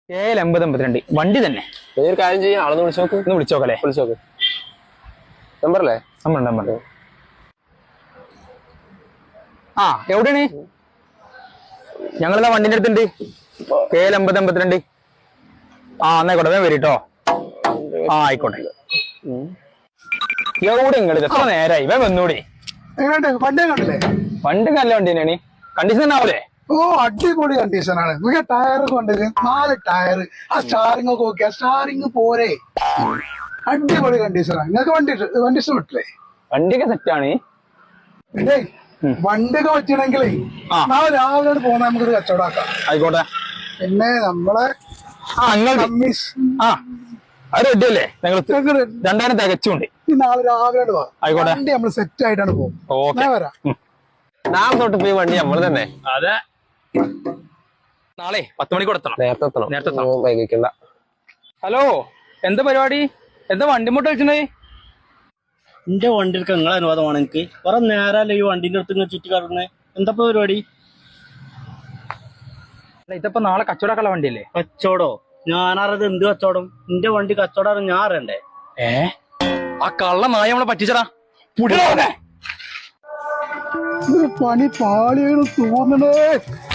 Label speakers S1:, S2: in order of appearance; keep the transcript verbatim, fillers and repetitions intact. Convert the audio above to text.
S1: ഏഴ് അമ്പത് അമ്പത്തിരണ്ട് വണ്ടി തന്നെ.
S2: ഒരു കാര്യം ചെയ്യാം, ആളൊന്ന് വിളിച്ചു നോക്ക്.
S1: ഒന്ന് വിളിച്ചോക്കല്ലേ?
S2: വിളിച്ചു നോക്ക്. നമ്പറല്ലേ?
S1: നമ്പർ നമ്പർ ആ എവിടെയാണ്? ഞങ്ങളിതാ വണ്ടിന്റെ അടുത്തുണ്ട്. ഏഴ് അമ്പത് അമ്പത്തിരണ്ട്. ആ എന്നായിക്കോട്ടെ, വേഗം വരീട്ടോ. ആ ആയിക്കോട്ടെ. എവിടെ ഇങ്ങോട്ട് എത്ര നേരായി? വേഗം വന്നൂടെ.
S3: വണ്ടി കണ്ടില്ലേ?
S1: വണ്ടി നല്ല വണ്ടി തന്നെയാണ്. കണ്ടീഷൻ തന്നെ ആവൂലേ?
S3: ഓ അടിപൊളി കണ്ടീഷനാണ്. നിങ്ങൾക്ക് ടയർ കൊണ്ടത് നാല് ടയർ, ആ സ്റ്റാറിംഗ് ഒക്കെ നോക്കിയാ സ്റ്റാറിംഗ് പോരെ, അടിപൊളി കണ്ടീഷനാണ്. നിങ്ങൾക്ക് വണ്ടി വണ്ടി ഇഷ്ടപ്പെട്ടില്ലേ?
S1: വണ്ടിയൊക്കെ സെറ്റാണ്.
S3: പിന്നെ വണ്ടിയൊക്കെ പറ്റണമെങ്കിലേ നാളെ രാവിലെ പോകുന്ന നമുക്കൊരു കച്ചവടമാക്കാം.
S1: ആയിക്കോട്ടെ.
S3: പിന്നെ നമ്മളെ
S1: ആ ആ അത് റെഡി അല്ലേ? ഞങ്ങൾ രണ്ടായിരം തികച്ചുണ്ട്.
S3: നാളെ രാവിലെ പോവാം.
S1: ആയിക്കോട്ടെ.
S3: വണ്ടി നമ്മൾ സെറ്റ് ആയിട്ടാണ് പോകും. ഞാൻ വരാം.
S2: നാളെ തൊട്ട് പോയി വണ്ടി നമ്മൾ തന്നെ.
S1: അതെ, നാളെ പത്ത് മണിക്ക് കൊടുത്തണം.
S2: നേരത്തെ എത്തണം.
S1: നേരത്തെ
S2: വൈകിക്കണ്ട.
S1: ഹലോ, എന്താ പരിപാടി? എന്താ വണ്ടി മുട്ട വെച്ചേ?
S4: എന്റെ വണ്ടിക്ക് നിങ്ങളെ അനുവാദമാണ്. എനിക്ക് കുറെ നേരമല്ലേ ഈ വണ്ടിന്റെ അടുത്ത് ഇങ്ങനെ ചുറ്റി കറങ്ങുന്നത്. എന്താ പരിപാടി?
S1: ഇതിപ്പോ നാളെ കച്ചവടക്കുള്ള വണ്ടിയല്ലേ?
S4: കച്ചവടോ? ഞാനറിയത് എന്ത് കച്ചവടം? എന്റെ വണ്ടി കച്ചവടം ഞാൻ അറിയണ്ടേ?
S1: ഏ ആ കള്ള നായ നമ്മളെ പറ്റിച്ചടാ.
S3: പണി പാളിയാണ് തോന്നണേ.